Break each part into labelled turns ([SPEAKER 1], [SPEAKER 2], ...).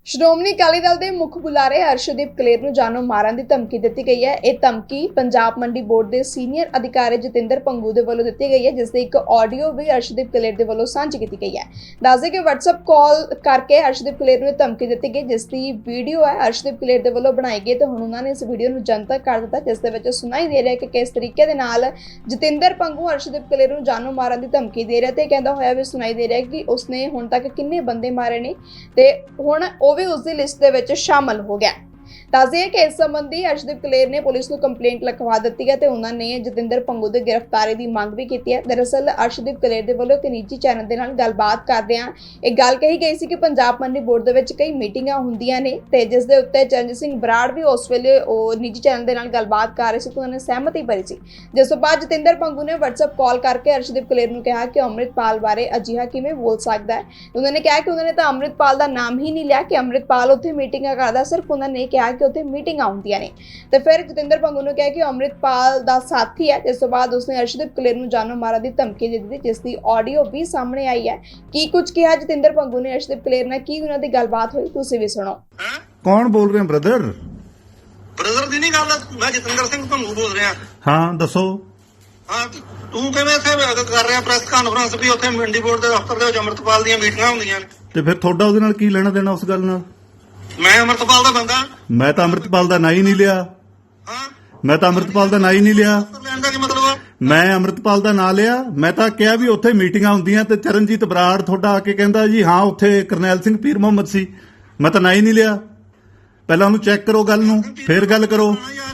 [SPEAKER 1] ਸ਼੍ਰੋਮਣੀ ਅਕਾਲੀ ਦਲ ਦੇ ਮੁੱਖ ਬੁਲਾਰੇ ਅਰਸ਼ਦੀਪ ਕਲੇਰ ਨੂੰ ਜਾਨੋਂ ਮਾਰਨ ਦੀ ਧਮਕੀ ਦਿੱਤੀ ਗਈ ਹੈ। ਇਹ ਧਮਕੀ ਪੰਜਾਬ ਮੰਡੀ ਬੋਰਡ ਦੇ ਸੀਨੀਅਰ ਅਧਿਕਾਰੀ ਜਤਿੰਦਰ ਪੰਗੂ ਦੇ ਵੱਲੋਂ ਦਿੱਤੀ ਗਈ ਹੈ, ਜਿਸ ਦੀ ਇੱਕ ਆਡੀਓ ਵੀ ਅਰਸ਼ਦੀਪ ਕਲੇਰ ਦੇ ਵੱਲੋਂ ਸਾਂਝੀ ਕੀਤੀ ਗਈ ਹੈ। ਦੱਸਦੇ ਕਿ WhatsApp ਕਾਲ ਕਰਕੇ ਅਰਸ਼ਦੀਪ ਕਲੇਰ ਨੂੰ ਧਮਕੀ ਦਿੱਤੀ ਗਈ, ਜਿਸ ਦੀ ਵੀਡੀਓ ਹੈ ਅਰਸ਼ਦੀਪ ਕਲੇਰ ਦੇ ਵੱਲੋਂ ਬਣਾਈ ਗਈ ਤੇ ਹੁਣ ਉਹਨਾਂ ਨੇ ਇਸ ਵੀਡੀਓ ਨੂੰ ਜਨਤਕ ਕਰ ਦਿੱਤਾ, ਜਿਸ ਦੇ ਵਿੱਚ ਸੁਣਾਈ ਦੇ ਰਿਹਾ ਕਿ ਕਿਸ ਤਰੀਕੇ ਦੇ ਨਾਲ ਜਤਿੰਦਰ ਪੰਗੂ ਅਰਸ਼ਦੀਪ ਕਲੇਰ ਨੂੰ ਜਾਨੋਂ ਮਾਰਨ ਦੀ ਧਮਕੀ ਦੇ ਰਿਹਾ ਤੇ ਕਹਿੰਦਾ ਹੋਇਆ ਵੀ ਸੁਣਾਈ ਦੇ ਰਿਹਾ ਕਿ ਉਸਨੇ ਹੁਣ ਤੱਕ ਕਿੰਨੇ ਬੰਦੇ ਮਾਰੇ ਨੇ ਤੇ ਹੁਣ ਵੀ ਉਸ ਦੀ ਲਿਸਟ ਦੇ ਵਿੱਚ ਸ਼ਾਮਲ ਹੋ ਗਿਆ। ਦੱਸਦੇ ਕਿ ਇਸ ਸੰਬੰਧੀ ਅਰਸ਼ਦੀਪ ਕਲੇਰ ਨੇ ਪੁਲਿਸ ਨੂੰ ਕੰਪਲੇਂਟ ਲਿਖਵਾ ਦਿੱਤੀ ਹੈ ਤੇ ਉਹਨਾਂ ਨੇ ਜਤਿੰਦਰ ਪੰਗੂ ਦੀ ਗ੍ਰਿਫਤਾਰੀ ਦੀ ਮੰਗ ਵੀ ਕੀਤੀ ਹੈ। ਦਰਅਸਲ ਅਰਸ਼ਦੀਪ ਕਲੇਰ ਦੇ ਵੱਲੋਂ ਇੱਕ ਨਿੱਜੀ ਚੈਨਲ ਦੇ ਨਾਲ ਗੱਲਬਾਤ ਕਰਦਿਆਂ ਇਹ ਗੱਲ ਕਹੀ ਗਈ ਸੀ ਕਿ ਪੰਜਾਬ ਮੰਡੀ ਬੋਰਡ ਦੇ ਵਿੱਚ ਕਈ ਮੀਟਿੰਗਾਂ ਹੁੰਦੀਆਂ ਨੇ ਤੇ ਜਿਸ ਦੇ ਉੱਤੇ ਚਰਨਜੀਤ ਸਿੰਘ ਬਰਾੜ ਵੀ ਉਸ ਵੇਲੇ ਉਹ ਨਿੱਜੀ ਚੈਨਲ ਦੇ ਨਾਲ ਗੱਲਬਾਤ ਕਰ ਰਹੇ ਸੀ ਤੇ ਉਹਨਾਂ ਨੇ ਸਹਿਮਤੀ ਭਰੀ ਸੀ, ਜਿਸ ਤੋਂ ਬਾਅਦ ਜਤਿੰਦਰ ਪੰਗੂ ਨੇ WhatsApp ਕਾਲ ਕਰਕੇ ਅਰਸ਼ਦੀਪ ਕਲੇਰ ਨੂੰ ਕਿਹਾ ਕਿ ਅੰਮ੍ਰਿਤਪਾਲ ਬਾਰੇ ਅਜਿਹਾ ਕਿਵੇਂ ਬੋਲ ਸਕਦਾ ਹੈ। ਉਹਨਾਂ ਨੇ ਕਿਹਾ ਕਿ ਉਹਨਾਂ ਨੇ ਤਾਂ ਅੰਮ੍ਰਿਤਪਾਲ ਦਾ ਨਾਮ ਹੀ ਨਹੀਂ ਲਿਆ ਕਿ ਅੰਮ੍ਰਿਤਪਾਲ ਉੱਥੇ ਮੀਟਿੰਗਾਂ ਕਰਦਾ, ਸਿਰਫ ਉਹਨਾਂ ਨੇ ਕਿਹਾ ਕਿ ਉੱਥੇ ਮੀਟਿੰਗਾਂ ਹੁੰਦੀਆਂ ਨੇ। ਤੇ ਫਿਰ ਜਤਿੰਦਰ ਪੰਗੂ ਨੂੰ ਕਿਹਾ ਕਿ ਅੰਮ੍ਰਿਤਪਾਲ ਦਾ ਸਾਥੀ ਹੈ, ਜਿਸ ਤੋਂ ਬਾਅਦ ਉਸਨੇ ਅਰਸ਼ਦੀਪ ਕਲੇਰ ਨੂੰ ਜਾਨੋਂ ਮਾਰਨ ਦੀ ਧਮਕੀ ਦੇ ਦਿੱਤੀ, ਜਿਸ ਦੀ ਆਡੀਓ ਵੀ ਸਾਹਮਣੇ ਆਈ ਹੈ। ਕੀ ਕੁਝ ਕਿਹਾ ਜਤਿੰਦਰ ਪੰਗੂ ਨੇ ਅਰਸ਼ਦੀਪ ਕਲੇਰ ਨਾਲ, ਕੀ ਉਹਨਾਂ ਦੀ ਗੱਲਬਾਤ ਹੋਈ, ਤੁਸੀਂ ਵੀ ਸੁਣੋ।
[SPEAKER 2] ਕੌਣ ਬੋਲ ਰਹੇ ਹੋ ਬ੍ਰਦਰ?
[SPEAKER 3] ਬ੍ਰਦਰ ਦੀ ਨਹੀਂ ਗੱਲ, ਮੈਂ ਜਤਿੰਦਰ ਸਿੰਘ ਪੰਗੂ ਬੋਲ ਰਿਹਾ।
[SPEAKER 2] ਹਾਂ ਦੱਸੋ।
[SPEAKER 3] ਹਾਂ ਤੂੰ ਕਿਵੇਂ ਇੱਥੇ ਕਰ ਰਿਹਾ ਪ੍ਰੈਸ ਕਾਨਫਰੰਸ ਵੀ ਉੱਥੇ ਮੰਡੀ ਬੋਰਡ ਦੇ ਦਫ਼ਤਰ ਦੇ ਵਿੱਚ ਅੰਮ੍ਰਿਤਪਾਲ ਦੀਆਂ ਮੀਟਿੰਗਾਂ ਹੁੰਦੀਆਂ ਨੇ?
[SPEAKER 2] ਤੇ ਫਿਰ ਤੁਹਾਡਾ ਉਹਦੇ ਨਾਲ ਕੀ ਲੈਣਾ ਦੇਣਾ ਉਸ ਗੱਲ ਨਾਲ?
[SPEAKER 3] ਮੈਂ ਅੰਮ੍ਰਿਤਪਾਲ ਦਾ ਬੰਦਾ।
[SPEAKER 2] ਮੈਂ ਤਾਂ ਅੰਮ੍ਰਿਤਪਾਲ ਦਾ ਨਾਂ ਹੀ ਨਹੀਂ ਲਿਆ।
[SPEAKER 3] ਹਾਂ
[SPEAKER 2] ਮੈਂ ਤਾਂ ਅੰਮ੍ਰਿਤਪਾਲ ਦਾ ਨਾਂ ਹੀ ਨਹੀਂ ਲਿਆ।
[SPEAKER 3] ਲੈਣ ਦਾ ਕੀ ਮਤਲਬ ਆ?
[SPEAKER 2] ਮੈਂ ਅੰਮ੍ਰਿਤਪਾਲ ਦਾ ਨਾਂ ਲਿਆ। ਮੈਂ ਤਾਂ ਕਿਹਾ ਵੀ ਉੱਥੇ ਮੀਟਿੰਗਾਂ ਹੁੰਦੀਆਂ ਤੇ ਚਰਨਜੀਤ ਬਰਾੜ ਤੁਹਾਡਾ ਆ ਕੇ ਕਹਿੰਦਾ ਜੀ ਹਾਂ ਉੱਥੇ ਕਰਨੈਲ ਸਿੰਘ ਪੀਰ ਮੁਹੰਮਦ ਸੀ। ਮੈਂ ਤਾਂ ਨਾਂ ਹੀ ਨਹੀਂ ਲਿਆ। ਪਹਿਲਾਂ ਉਹਨੂੰ ਚੈੱਕ ਕਰੋ ਗੱਲ ਨੂੰ, ਫਿਰ ਗੱਲ ਕਰੋ।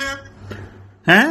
[SPEAKER 2] ਹੈਂ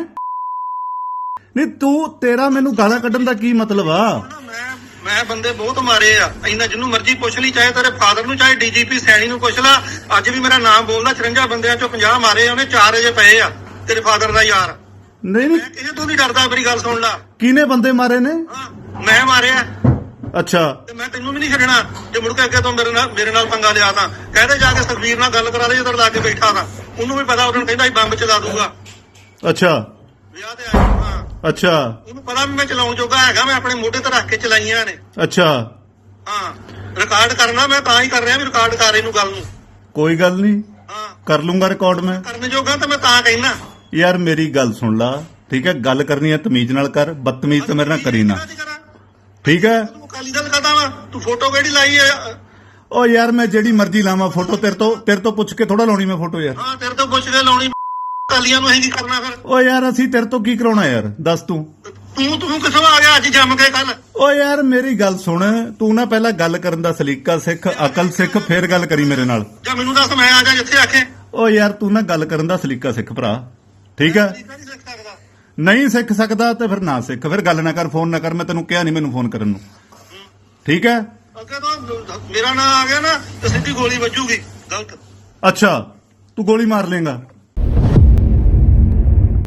[SPEAKER 2] ਨਹੀਂ ਤੂੰ ਤੇਰਾ ਮੈਨੂੰ ਗਾਲਾਂ ਕੱਢਣ ਦਾ ਕੀ ਮਤਲਬ ਆ?
[SPEAKER 3] ਮੈਂ ਬੰਦੇ ਬਹੁਤ ਮਾਰੇ ਆ, ਇੰਨਾ ਜਿਹਨੂੰ ਮਰਜ਼ੀ ਪੁੱਛ ਲਈ, ਚਾਹੇ ਤੇਰੇ ਫਾਦਰ ਨੂੰ, ਚਾਹੇ ਡੀਜੀਪੀ ਸੈਣੀ ਨੂੰ ਪੁੱਛ ਲਾ। ਅੱਜ ਵੀ ਮੇਰਾ ਨਾਮ ਬੋਲਦਾ, 54 ਬੰਦਿਆਂ ਚੋਂ 50 ਮਾਰੇ ਉਹਨੇ, 4 ਅਜੇ ਪਏ ਆ ਤੇਰੇ ਫਾਦਰ ਦਾ ਯਾਰ।
[SPEAKER 2] ਨਹੀਂ
[SPEAKER 3] ਮੈਂ ਕਿਸੇ ਤੋਂ ਨਹੀਂ ਡਰਦਾ, ਮੇਰੀ ਗੱਲ ਸੁਣ ਲਾ।
[SPEAKER 2] ਕਿਹਨੇ ਬੰਦੇ ਮਾਰੇ ਨੇ?
[SPEAKER 3] ਮੈਂ ਮਾਰਿਆ।
[SPEAKER 2] ਅੱਛਾ
[SPEAKER 3] ਤੇ ਮੈਂ ਤੈਨੂੰ ਵੀ ਨਹੀਂ ਛੱਡਣਾ ਜੇ ਮੁੜ ਕੇ ਅੱਗੇ ਤੋਂ ਮੇਰੇ ਨਾਲ ਪੰਗਾ ਲਿਆ ਤਾਂ। ਕਹਿੰਦੇ ਜਾ ਕੇ ਸੁਖਬੀਰ ਨਾਲ ਗੱਲ ਕਰਾ ਦੇ, ਜਦੋਂ ਲਾ ਕੇ ਬੈਠਾ ਤਾਂ ਉਹਨੂੰ ਵੀ ਪਤਾ, ਉਹਨੂੰ ਕਹਿੰਦਾ ਬੰਬ ਚਲਾ ਦੂਗਾ।
[SPEAKER 2] ਅੱਛਾ
[SPEAKER 3] ਵਿਆਹ ਤੇ ਆਇਆ। ਹਾਂ
[SPEAKER 2] ਅੱਛਾ
[SPEAKER 3] ਉਹਨੂੰ ਪਤਾ ਵੀ ਮੈਂ ਚਲਾਉਣ ਜੋਗਾ ਹੈਗਾ, ਮੈਂ ਆਪਣੇ ਮੋਢੇ ਤੇ ਰੱਖ ਕੇ ਚਲਾਈਆਂ ਨੇ।
[SPEAKER 2] ਅੱਛਾ
[SPEAKER 3] ਹਾਂ ਰਿਕਾਰਡ ਕਰਨਾ ਮੈਂ ਤਾਂ ਹੀ ਕਰ ਰਿਹਾ ਵੀ ਰਿਕਾਰਡ ਕਰ ਇਹਨੂੰ ਗੱਲ ਨੂੰ।
[SPEAKER 2] ਕੋਈ ਗੱਲ ਨਹੀਂ,
[SPEAKER 3] ਹਾਂ
[SPEAKER 2] ਕਰ ਲੂੰਗਾ ਰਿਕਾਰਡ। ਮੈਂ
[SPEAKER 3] ਕਰਨ ਜੋਗਾ ਤਾਂ ਮੈਂ ਤਾਂ ਕਹਿਣਾ।
[SPEAKER 2] ਯਾਰ ਮੇਰੀ ਗੱਲ ਸੁਣ ਲਾ, ਠੀਕ ਹੈ? ਗੱਲ ਕਰਨੀ ਹੈ ਤਮੀਜ਼ ਨਾਲ ਕਰ, ਬਦਤਮੀਜ਼ ਤਾਂ ਮੇਰੇ ਨਾਲ ਕਰੀ ਨਾ, ਠੀਕ ਹੈ?
[SPEAKER 3] ਤੂੰ ਅਕਾਲੀ ਦਲ ਕਰਦਾ ਵਾ, ਤੂੰ ਫੋਟੋ ਕਿਹੜੀ ਲਾਈ ਹੈ?
[SPEAKER 2] ਓ ਯਾਰ ਮੈਂ ਜਿਹੜੀ ਮਰਜ਼ੀ ਲਾਵਾਂ ਫੋਟੋ, ਤੇਰੇ ਤੋਂ ਪੁੱਛ ਕੇ ਥੋੜਾ ਲਾਉਣੀ ਮੈਂ ਫੋਟੋ ਯਾਰ।
[SPEAKER 3] ਹਾਂ ਤੇਰੇ ਤੋਂ ਪੁੱਛ ਕੇ ਲਾਉਣੀ। ਅਕਾਲੀਆਂ ਨੂੰ ਅਸੀਂ ਕੀ ਕਰਨਾ ਫਿਰ?
[SPEAKER 2] ਓ ਯਾਰ ਅਸੀਂ ਤੇਰੇ ਤੋਂ ਕੀ ਕਰਾਉਣਾ ਯਾਰ, ਦੱਸ ਤੂੰ
[SPEAKER 3] ਤੂੰ ਕਿੱਥੋਂ ਆ ਗਿਆ ਅੱਜ ਜੰਮ ਕੇ ਕੱਲ?
[SPEAKER 2] ਓ ਯਾਰ ਮੇਰੀ ਗੱਲ ਸੁਣ, ਤੂੰ ਨਾ ਪਹਿਲਾਂ ਗੱਲ ਕਰਨ ਦਾ ਸਲੀਕਾ ਸਿੱਖ, ਅਕਲ ਸਿੱਖ, ਫੇਰ ਗੱਲ ਕਰੀ ਮੇਰੇ ਨਾਲ।
[SPEAKER 3] ਜਾਂ ਮੈਨੂੰ ਦੱਸ ਮੈਂ ਆ ਜਾ ਜਿੱਥੇ ਆਖੇ।
[SPEAKER 2] ਓ ਯਾਰ ਤੂੰ ਨਾ ਗੱਲ ਕਰਨ ਦਾ ਸਲੀਕਾ ਸਿੱਖ ਭਰਾ, ਠੀਕ ਹੈ? ਨਹੀਂ ਸਿੱਖ ਸਕਦਾ ਤੇ ਫਿਰ ਨਾ ਸਿੱਖ, ਫਿਰ ਗੱਲ ਨਾ ਕਰ, ਫੋਨ ਨਾ ਕਰ। ਮੈਂ ਤੈਨੂੰ ਕਿਹਾ ਨਹੀਂ ਮੈਨੂੰ ਫੋਨ ਕਰਨ ਨੂੰ, ਠੀਕ ਹੈ?
[SPEAKER 3] ਅੱਗੇ ਤੋਂ ਮੇਰਾ ਨਾਂ ਆ ਗਿਆ ਨਾ ਤੇ ਸਿੱਧੀ ਗੋਲੀ ਵੱਜੂਗੀ। ਗਲਤ।
[SPEAKER 2] ਅੱਛਾ ਤੂੰ ਗੋਲੀ ਮਾਰ ਲੇਗਾ?